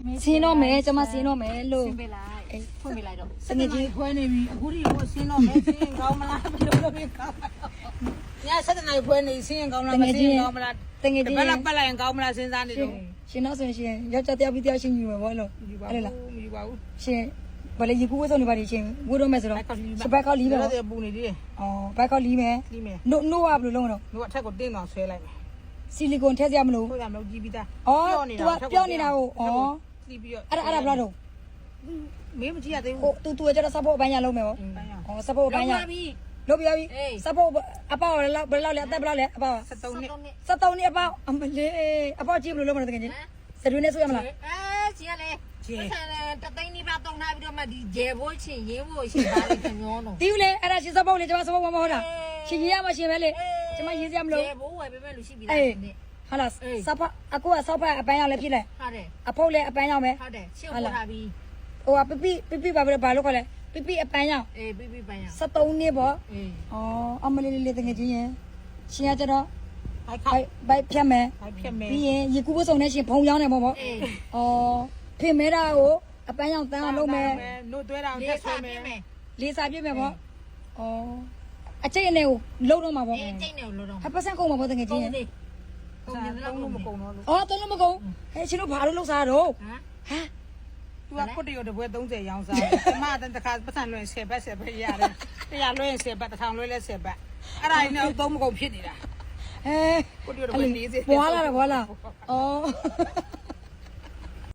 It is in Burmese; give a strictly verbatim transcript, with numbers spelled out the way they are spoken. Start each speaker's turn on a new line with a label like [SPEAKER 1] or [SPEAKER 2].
[SPEAKER 1] စင်းတော့မယ်ကျမစင်းတော့မယ်လို့
[SPEAKER 2] ဆင်းပေးလိုက်ဖွင့်ပေးလိုက်တော့
[SPEAKER 1] တကယ်ကြီး
[SPEAKER 3] ဖွဲနေပြီအခုဒီကိုဆင်းတော့မယ်ဆင်းကောင်းမလားဘယ်လိုလုပ်ပြီးကောင်းမလားညဆက်တဲ့နိုင်ဖွဲနေဆင်းကောင်းလားမဆင်းကောင်းမလား
[SPEAKER 1] တကယ်
[SPEAKER 3] တ
[SPEAKER 1] ကြီး
[SPEAKER 3] ပတ်လောက်ပတ်လိုက်ရင်ကောင်းမလားစဉ်းစားနေတော့
[SPEAKER 1] ရှင်တော့ဆိုရင်ယောက်ျားတယောက်ပြီးတယောက်ရှင်ယူမယ်ဘောလို့
[SPEAKER 3] ယူပါ
[SPEAKER 1] အဲ့လား
[SPEAKER 3] ဘူးမယူပါဘူး
[SPEAKER 1] ရှင်ဘာလဲရေကူးဝဲဆုံးနေပါလိမ့်ရှင်ဝိုးတော့မယ်ဆိုတော့စပတ်ကောက်လီးမယ်
[SPEAKER 3] တော့
[SPEAKER 1] ပေါ့
[SPEAKER 3] ပူနေသေးတယ်
[SPEAKER 1] အော်ဘတ်ကောက်လီးမယ်
[SPEAKER 3] လီးမယ်
[SPEAKER 1] နို့နို့ကဘယ်လိုလုပ်မလို့
[SPEAKER 3] တို့အထက်ကိုတင်းအောင်ဆွဲလိုက်မယ်
[SPEAKER 1] ဆီလီကွန်ထည့်စရာမလို
[SPEAKER 3] ထိုးရမလို့ကြည့်ပြီးသား
[SPEAKER 1] အော် तू ကပြောနေတာကိုအော်
[SPEAKER 3] ကြည့်ပြီးတော့
[SPEAKER 1] အဲ့ဒါအဲ့ဒါဘယ်လောက်တော့
[SPEAKER 3] မင်းမကြည့်ရသေး
[SPEAKER 1] ဟို
[SPEAKER 3] ဘူး
[SPEAKER 1] तू तू ကကျတော့စပ်ဖို့အပိုင်းရလုံးမယ်ပေါ့
[SPEAKER 3] ပိုင်းရ
[SPEAKER 1] အော်စပ်ဖို့အပိုင်းရ
[SPEAKER 2] ပြီ
[SPEAKER 1] လုပ်ပြပြီစပ်ဖို့အပေါက်လည်းဘယ်လောက်လဲအသက်ဘယ်လောက်လဲအပေါက်
[SPEAKER 3] ဆက်သုံးနှစ်
[SPEAKER 1] စက်သုံးနှစ်အပေါက်အမလေးအပေါက်ကြည့်ဘယ်လိုလုပ်မလဲတကယ်ချင်းစတူနဲ့ဆိုရမလား
[SPEAKER 2] အဲကြီးရလေပတ်စံတသိန်းနီးပါတုံထားပြီးတော့မှဒီဂျယ်ဘိုးချင်းရင်းဖို့ရှင်ပါလေညောတော့
[SPEAKER 1] တီးဦးလေအဲ့ဒါရှင်စပ်ဖို့လေကျွန်မစပ်ဖို့မဟုတ်တာရှင်ကြီးရမရှင်ပဲလေကျွန်မရေးစရာမလို
[SPEAKER 2] ဂျယ်ဘိုးဝယ်ပေးမယ်လို့ရှိပြီလား
[SPEAKER 1] အေးဟာလားစပ်ဖအခုကဆောက်ဖက်အပိုင်းရောက်လဲဖြစ်လဲ
[SPEAKER 2] ဟုတ်တယ်
[SPEAKER 1] အဖုတ်လည်းအပန်းရောက်မယ်
[SPEAKER 2] ဟုတ်တယ်ရှင်းပေါ်ထားပြီ
[SPEAKER 1] ဟိုကပပိပပိဘာလို့ဘာလို့ခေါ်လဲပပိအပန်းရောက်
[SPEAKER 2] အေးပြီးပြီးပန်းရ
[SPEAKER 1] စက်သုံးနှစ်ပေါ့
[SPEAKER 2] အေး
[SPEAKER 1] ဩအမလေးလေးလေးတကယ်ကြီးရင်ရှင်ကကျတော့
[SPEAKER 3] ဘိုက်
[SPEAKER 1] ဘို
[SPEAKER 3] ခိုက်
[SPEAKER 1] က်ဘိုက်ဖြတ်မယ်
[SPEAKER 3] ဘိုက်ဖြတ်မယ်
[SPEAKER 1] ပြီးရင်ရေကူးပစုံနဲ့ရှင်ဖုံရောင်းတယ်ပေါ့ပေါ့
[SPEAKER 2] အေး
[SPEAKER 1] ဩဖေမဲတာကိုအပန်းရောက်တန်းအောင်လုပ်မယ်
[SPEAKER 3] နို့သွဲတာအောင်
[SPEAKER 2] လေး
[SPEAKER 3] တက်ဆွဲ
[SPEAKER 2] စား
[SPEAKER 3] မ
[SPEAKER 2] ပြ
[SPEAKER 3] ယ်
[SPEAKER 2] မယ်
[SPEAKER 1] လေးစားပြည့်မယ်ပေါ့ဩအချိတ်အနေကိုလုံးတော့မှာပေါ့
[SPEAKER 2] အေးကျိတ်နေလို့တော့
[SPEAKER 1] ဟပတ်စံကုန်မှာပေါ့တကယ်ကြီး
[SPEAKER 2] ကုန်
[SPEAKER 1] ရင်
[SPEAKER 2] သေးကုန်နေ
[SPEAKER 3] သုံး
[SPEAKER 2] တော့
[SPEAKER 3] လို့မကုန်တော့လို့
[SPEAKER 1] ဩသုံးလို့မကုန်ဟဲ့ရှင်တို့ဘာလို့လုပ်စားတော့
[SPEAKER 2] ဟမ်
[SPEAKER 1] ဟမ်
[SPEAKER 3] သူကခုတရတပွဲသုံးဆယ်ရောင်းစားတယ်ကျမတတခါပတ်စံလွှင့်ဆယ်ဘတ်ဆယ်ဘတ်ရတယ်တရားလွှင့်ဆယ်ဘတ်တစ်ထောင်လွှင့်လဲဆယ်ဘတ်အဲ့ဒါနဲ့သုံးမကုန်ဖြစ်နေတာ
[SPEAKER 1] ဟဲ့
[SPEAKER 3] ခုတရတပွဲနေစေ
[SPEAKER 1] ဘွာလာတော့ဘွာလာဩ